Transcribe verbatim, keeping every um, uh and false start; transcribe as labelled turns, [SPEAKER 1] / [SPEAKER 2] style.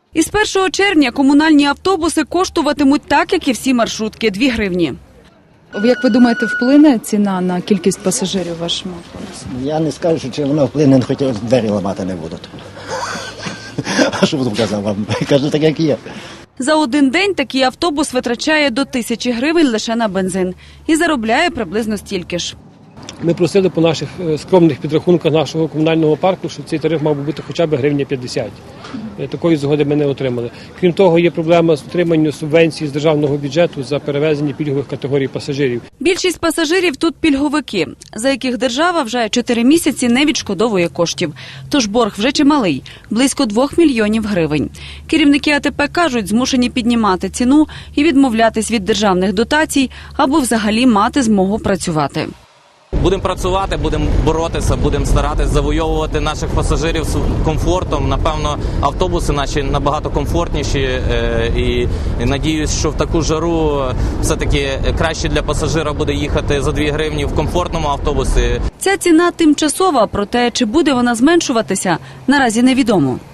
[SPEAKER 1] Із першого червня комунальні автобуси коштуватимуть так, як і всі маршрутки – дві гривні.
[SPEAKER 2] Як ви думаєте, вплине ціна на кількість пасажирів в вашому автобусі?
[SPEAKER 3] Я не скажу, чи воно вплине, хоч двері ламати не будуть. А що буду казав вам? Кажу так, як є.
[SPEAKER 1] За один день такий автобус витрачає до тисячі гривень лише на бензин і заробляє приблизно стільки ж.
[SPEAKER 4] Ми просили по наших скромних підрахунках нашого комунального парку, що цей тариф мав би бути хоча б гривня п'ятдесят. Такої згоди ми не отримали. Крім того, є проблема з отриманням субвенцій з державного бюджету за перевезення пільгових категорій пасажирів.
[SPEAKER 1] Більшість пасажирів тут пільговики, за яких держава вже чотири місяці не відшкодовує коштів. Тож борг вже чималий – близько двох мільйонів гривень. Керівники А Те Пе кажуть, змушені піднімати ціну і відмовлятись від державних дотацій, аби взагалі мати змогу працювати.
[SPEAKER 5] Будемо працювати, будемо боротися, будемо старатися завойовувати наших пасажирів з комфортом. Напевно, автобуси наші набагато комфортніші і надіюсь, що в таку жару все-таки краще для пасажира буде їхати за дві гривні в комфортному автобусі.
[SPEAKER 1] Ця ціна тимчасова, проте чи буде вона зменшуватися, наразі невідомо.